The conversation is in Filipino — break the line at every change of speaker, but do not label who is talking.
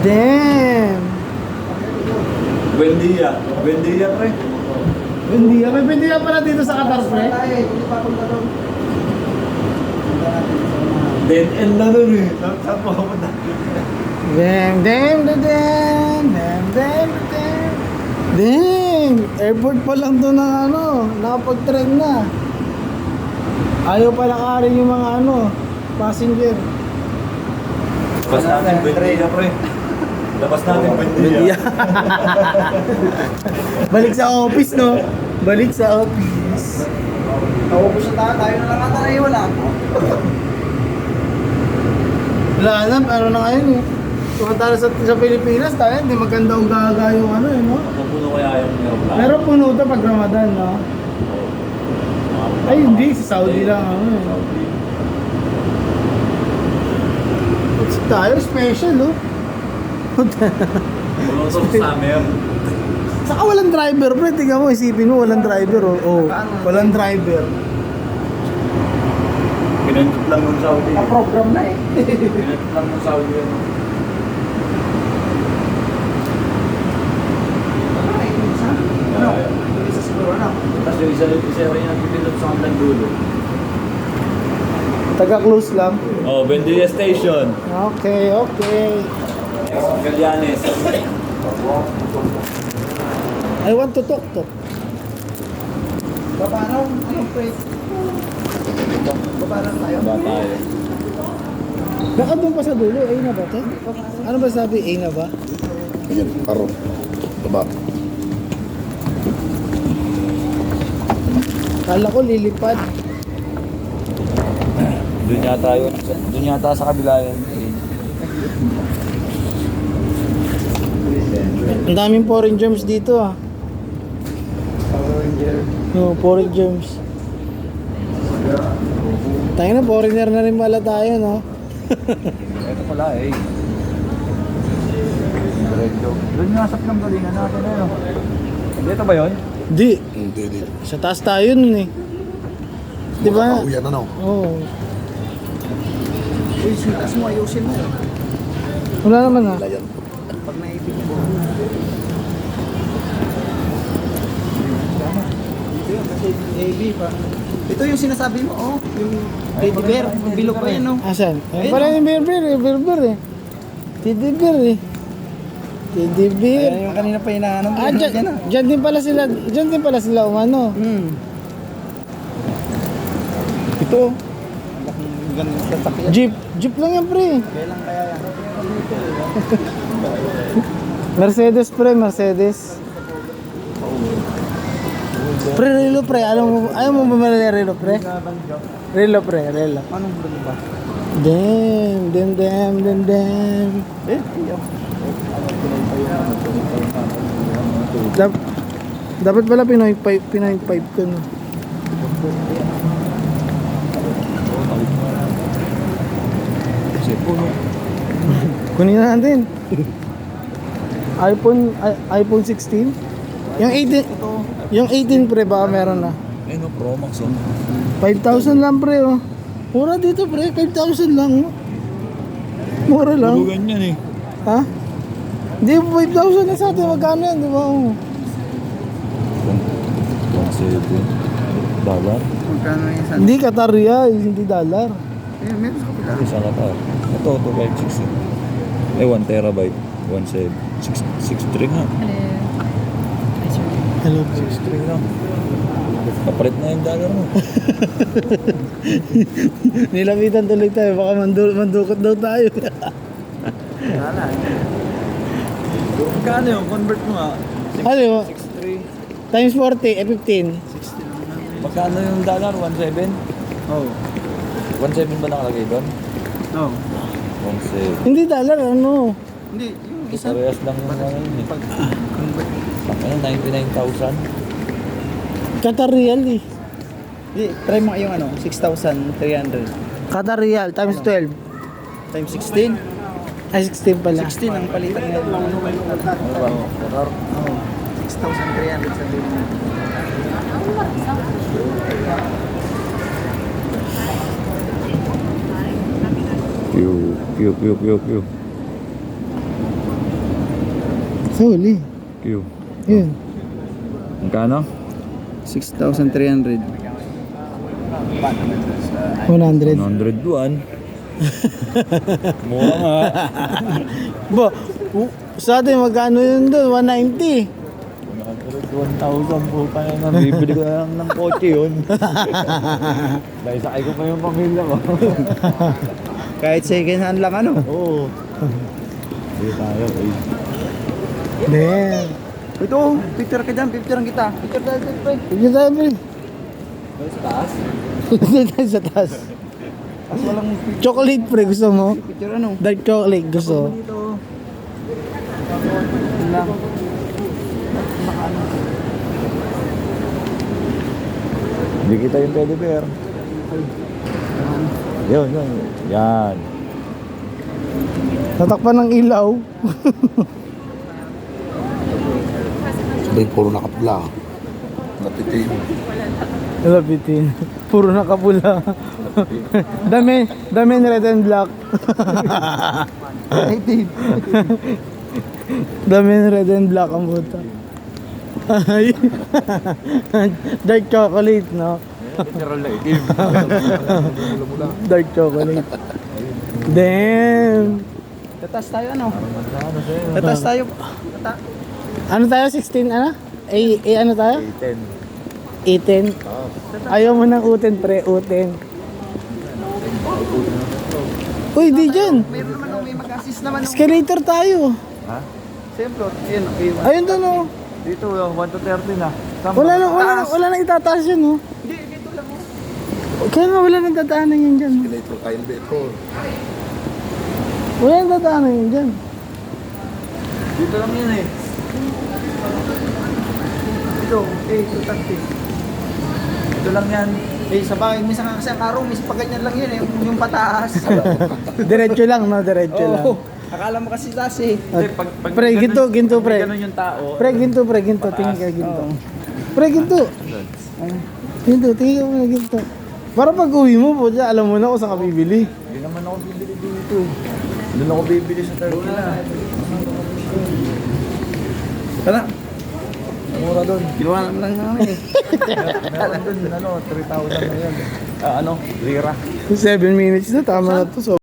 Damn!
Buendia. Buendia, pre.
Buendia. May Buendia pala dito sa Qatar, pre.
Dead end na nun eh. Saan po ako na?
Damn, damn, damn, damn, damn, damn, damn. Damn! Airport pa lang to ng ano, nakapag-train na. Ayaw pa lakarin yung mga ano, passenger.
Labas natin Buendia, pre. Labas natin Buendia.
Balik sa office, no? Balik sa office.
Naubos na tayo na lang ata na iwan ah.
Wala alam, ano na ngayon eh. Tumatalas sa Pilipinas tayo, hindi maganda ang gaga yung ano eh, no?
Napuno kaya yung aeroplano.
Pero puno ito pag Ramadan, no? Ay, hindi. Sa Saudi lang ano eh. It's tayo, special, no?
Puno ito sa summer.
Saka walang driver, pre. Tingnan mo, isipin mo, walang driver, oh. Oh, walang driver.
Pinantot lang yung Saudi.
Na-program na eh.
Pinantot lang yung Saudi.
Ano? Isa siguro na.
Tapos yung isa rin yung nagpipilot sa hanggang dulo.
Taga-close lang.
Oh, Buendia Station.
Okay, okay.
Galianes.
I want to talk.
Paano? Anong phrase? Paano tayo?
Ba tayo?
Baka doon pa sa dulo, A na ba ito? Ano ba sabi, A na ba?
Ayan, paro. Baba.
Kala ko lilipad.
Doon yata yun. Doon yata sa kabila yun.
Ang daming foreign germs dito ah. No, foreign germs. Tayo na, foreigner na rin pala tayo, no?
Ito pala eh. Diretso. Doon yung nasa pinanggalingan natin eh. No? Dito ba yun?
Di.
Hindi, hindi.
Sa taas tayo nun eh. Di ba?
Uyan na, no?
Oo.
Uy, sitas mo, ayusin mo.
Wala naman ah.
Layan.
Pag naipin mo. Ito yun, kasi AB pa. Ito yung sinasabi mo, oh. Yung teddy bear, bilog pa yan, no?
Asan? Ayun pala yung berber eh. Teddy bear eh. Teddy bear.
Ayan yung kanina pa hinahanap mo.
Ah, dyan din pala sila umano.
Ito. Ganun sa sakyan.
Jeep lang yan pre.
Kailan kaya yan?
Mercedes pre, Mercedes. Pre, relo pre. Ayaw mo bumili relo pre? Relo pre, relo.
Anong brand ba?
Damn.
Eh, iyak.
Dapat pala Pinoy 5 ko no. Kunin na natin. iPhone 16. Yung 18 pre baka meron na.
Eh no, Pro Max oh.
5,000 lang pre oh. Mura dito pre, 5,000 lang oh. Mura lang.
Bulugan yan eh.
Ha? Hindi, 5,000 na sa atin. Magkano yan, di ba? Oh.
Dollar?
Magkano yung sa...
Hindi, Qatar Riyal, hindi dollar.
Eh, meron sa kapila.
Isa ka ta. Ito, 256 eh. 1 terabyte. 1.6 nga.
Hello.
6.3 nga. Kapalit na yung dollar mo.
Nilapitan tuloy tayo. Baka mandukot daw tayo.
Wala.
Magkano yung convert mo nga?
Ano yun?
6.3.
Times 40, 15.
Magkano yung dollar? 1.7?
Oh.
1.7 ba nakalagay doon?
Oh.
1.7.
Hindi dollar, ano?
Hindi, yung isa.
Parehas lang yung mga yun eh.
Pag convert.
Ano, 99,000?
Qatar Riyal eh.
Hindi, try mo yung ano, 6,300.
Qatar Riyal, times 12.
Times 16.
Ay, 16 pala.
16 ang palitan ngayon.
Ano ba? Qatar?
Oh. 6,300 sa din.
Pew.
Suli.
Q.
Yun.
Magkano?
6,300.
100.
101. Mura nga.
Ba, sa atin magkano yun doon? 190.
1,000 po pa na. Bibili ko na lang ng kotse yun. Dahil sakay ko pa yung pamilya ko.
Kahit second hand lang ano.
Oo. Sige tayo.
Damn.
Ito, picture ka dyan, picture kita. Picture tayo dyan, pre.
Sige tayo, pre.
Sa taas?
Sige tayo sa taas.
As walang
Chocolate, pre. Gusto mo?
picture ano.
Dark chocolate. Gusto.
Dito. Yun lang.
Hindi kita yung teddy bear. Yun, yun. Yan.
Tatakpan ng ilaw.
Sabay, puro nakapula. Napitin.
Lapitin. Puro nakapula. dami red and black.
Native.
Dami red and black ang buta. Ay. Dark chocolate, no?
Literal na itim.
Dark chocolate. Damn.
Tatas tayo ano. Tatas tayo.
Ano tayo? 16 ano? Ano tayo?
10.
18. Ayaw mo ng uten, pre. Uten. Uy, di dyan.
Mayroon naman may mag-assist naman.
Escalator tayo.
Ha?
Siyempre, yun, okay.
Ayun doon, oh.
Dito, 1 to 30 na.
Wala nang itataas yan, oh.
Hindi, dito lang oh.
Kaya nga wala nang dadaanan yan dyan.
Ito, kain ba ito?
Wala nang dadaanan yan dyan.
Dito lang yun eh. Ito, ito takti. Ito lang yan. Eh, sa bagay, minsan nga kasi ang araw, minsan pa ganyan lang yun eh, yung pataas.
Diretso lang, no? Diretso lang.
Oo. Akala mo kasi taas eh.
Pre, ginto, pre.
Ganun yung tao.
Pre, ginto. Tingin ka, ginto. Pre, ginto. Ginto, tingin ka na ginto. Para pag uwi mo po dyan, alam mo na kung saan ka bibili.
Hindi naman ako bibili dito. Doon ako bibili sa Turkey na.
Tara.
Mura doon.
Kinuha naman lang namin eh.
Meron doon, 3,000 na yan. Lira.
7 minutes na, tama na to. So,